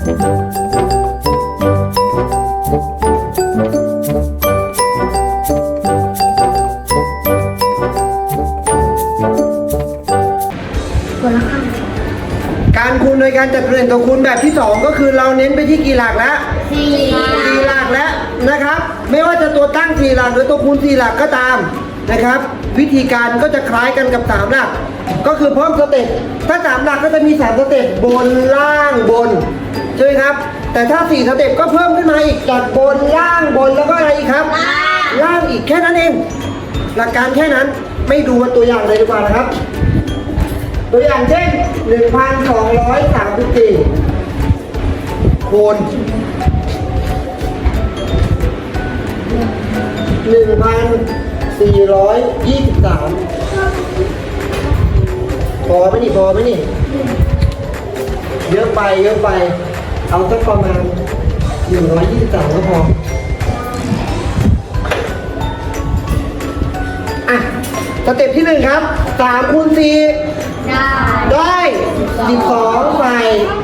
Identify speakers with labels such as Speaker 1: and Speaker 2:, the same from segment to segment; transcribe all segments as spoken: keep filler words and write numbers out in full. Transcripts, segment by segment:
Speaker 1: การคูณโดยการจัดตำแหน่งตัวคูณแบบที่สองก็คือเราเน้นไปที่กี่หลักแล้วสี่สี่หลักแล้วนะครับไม่ว่าจะตัวตั้งสี่หลักหรือตัวคูณสี่หลักก็ตามนะครับวิธีการก็จะคล้ายกันกับสามหลักก็คือเพิ่มสเต็ปถ้าสามหลักก็จะมีสามสเต็ปบนล่างบนใช่ไหมครับแต่ถ้าสี่สเต็ปก็เพิ่มขึ้นมาอีกจากบนล่างบนแล้วก็อะไรอีกครับล่างอีกแค่นั้นเองหลักการแค่นั้นไม่ดูตัวอย่างเลยดีกว่านะครับตัวอย่างเช่น หนึ่งพันสองร้อยสามสิบสี่ คูณ หนึ่งพันสี่ร้อยยี่สิบสาม พอไหมนี่พอไหมนี่เยอะไปเยอะไปเอาสักประมาณหนึ่งร้อยยี่สิบสามก็พออ่ะสเต็ปที่หนึ่งครับสามคูณสี่ได้สิบสองใส่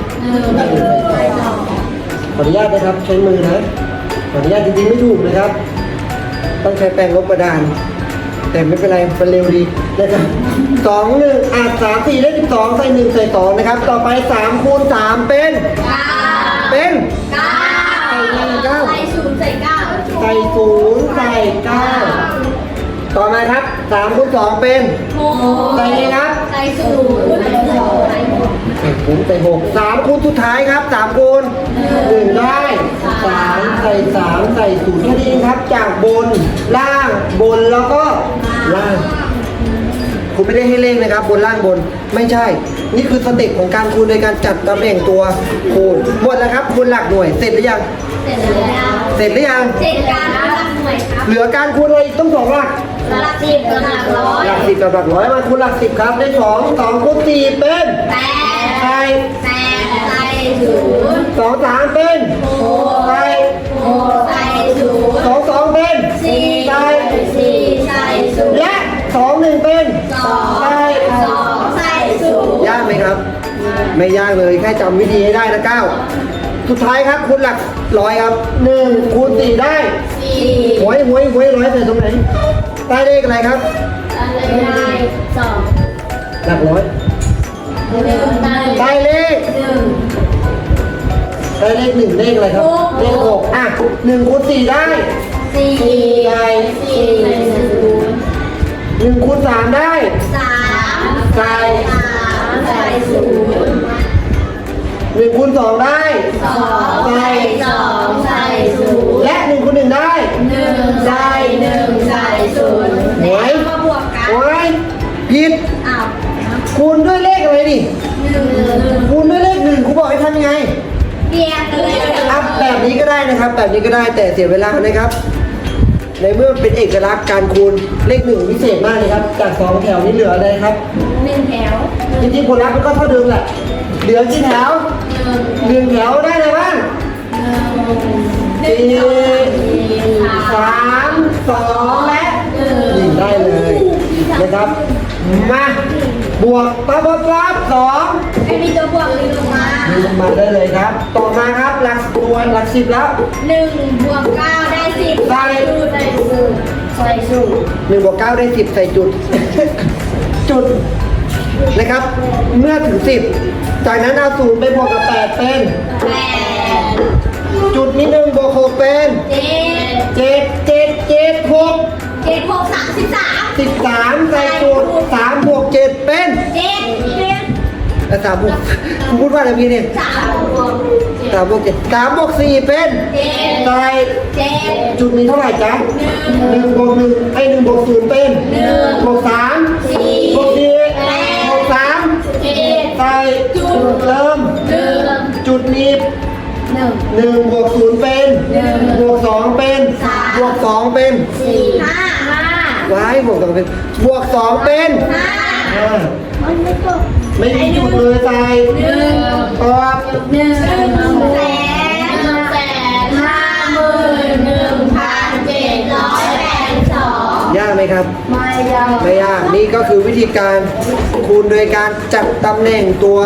Speaker 1: ขออนุญาตนะครับใช้มือนะขออนุญาตจริงๆไม่ถูกนะครับต้องใช้แปรงลบกระดานแต่ไม่เป็นไรมันเร็วดีนะครับสองหนึ่งอ่ะสามสี่ได้สิบสองใส่หนึ่งใส่สองนะครับต่อไปสามคูณสามเป็นเป็นเก้าใส่หนึ่งเก้าใส่ศูนย์ใส่เก้าใส่ศูนย์ใส่เก้าต่อมาครับสามคูณสองเป็นใส่เลยครับใส่ศูนย์ใส่สองใส่หกใส่ศูนย์ใส่หกสามคูณสุดท้ายครับสามคูณหนึ่งได้สามใส่สามใส่ศูนย์แค่นี้ครับจากบนล่างบนแล้วก็ล่างคุณไม่ได้ให้เลขนะครับบนล่างบนไม่ใช่นี่คือสเต็ปของการคูณโดยการจัดตำแหน่งตัวคูณหมดแล้วครับคูณหลักหน่วยเสร็จหรือยังเสร็จแล้วเสร็จหรือยังเสร็จการหลักหน่วยครับเหลือการคูณอะไรต้องสองหลักหลักสิบกับหลักร้อยหลักสิบกับหลักร้อยมาคูณหลักสิบครับได้สองสองคูณสี่เป็นแปดใส่แปดใส่ศูนย์สองสามเป็นหกใส่หกใส่ศูนย์สองสองเป็นสี่ใส่สี่ใส่ศูนย์และสองหนึ่งเป็นสองใส่สองใส่ศูนย์ยากไหมครับไม่ยากเลยแค่จำวิธีให้ได้นะเก้าสุดท้ายครับคูณหลักร้อยครับหนึ่งคูณสี่ได้สี่หวยหวยหวยร้อยใส่ตรงไหนได้เลขอะไรครับได้สองหลักร้อยได้เลขหนึ่งได้เลขหนึ่งเลขอะไรครับเลขหกอ่ะหนึ่งคูณสี่ได้สี่ได้สี่หนึ่งคูณสามได้สามใส่สามใส่ศูนย์หนึ่งคูณสองได้สองใส่สองใส่ศูนย์และหนึ่งคูณหนึ่งได้หนึ่งใส่หนึ่งใส่ศูนย์หวยมาบวกกันหวยผิดอ้าวคูณด้วยเลขอะไรดิหนึ่งคูณด้วยเลขหนึ่งครูบอกให้ทำยังไงเรียงเลยอัพแบบนี้ก็ได้นะครับแบบนี้ก็ได้แต่เสียเวลานะครับในเมื่อเป็นเอกลักษณ์การคูณเลขหนึ่งพิเศษมากเลยครับจากสองแถวนี้เหลืออะไรครับหนึ่งแถวจริงๆผลลัพธ์มันก็เท่าเดิมแหละเหลือกี่แถวหนึ่งแถวได้เลยบ้างสี่สามสองและหนึ่งได้เลยนะครับมาบวกตัวบวกรับสองไม่มีตัวบวกเลยลงมาลงมาได้เลยครับต่อมาครับหลักตัวหลักสิบแล้วหนึ่งบวกเก้าได้สิบใส่สูตรใส่สูตรใส่สูตรหนึ่งบวกเก้าได้สิบใส่จุดจุดนะครับเมื่อถึงสิบจากนั้นเอาศูนย์ไปบวกกับแปดเป็นแปดจุดนี้หนึ่งบวกหกเป็นเจ็ดเจ็ดเจ็ดเจ็ดหกเจ็ดหกสามสิบสามสิบสามใส่จุดสามบวกเจ็ดเป็นเจ็ดเจ็ดแล้วสามบวกคุณพูดว่าอะไรพี่เนี่ยสามบวกสามบวกเจ็ดสามบวกสี่เป็นเจ็ดใส่เจ็ดจุดนี้เท่าไหร่จ๊ะหนึ่งบวกหนึ่งไอ้หนึ่งบวกศูนย์เป็นหนึ่งบวกสามสี่บวกสี่บวกสามเจ็ดใส่จุดเติมจุดนี้หนึ่งหนึ่งบวกศูนย์เป็นหนึ่งบวกสองเป็นสามบวกสองเป็นสี่ห้าห้าว้ายบวกสองเป็นบวกสองเป็นห้าไม่มีจุดเลยใส่หนึ่งตอบหนึ่งแสนหนึ่งแสนห้าหมื่นหนึ่งพันเจ็ดร้อยแปดสิบสองยากไหมครับไม่ยากไม่ยากนี่ก็คือวิธีการคูณโดยการจัดตำแหน่งตัว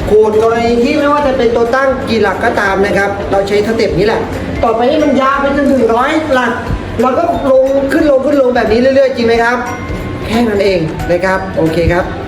Speaker 1: ขูดกรณีที่ไม่ว่าจะเป็นตัวตั้งกี่หลักก็ตามนะครับเราใช้สเต็ปนี้แหละต่อไปนี้มันยาวไปจนถึงร้อยหลักเราก็ลงขึ้นลงขึ้นลงแบบนี้เรื่อยๆจริงไหมครับแค่นั้นเองนะครับโอเคครับ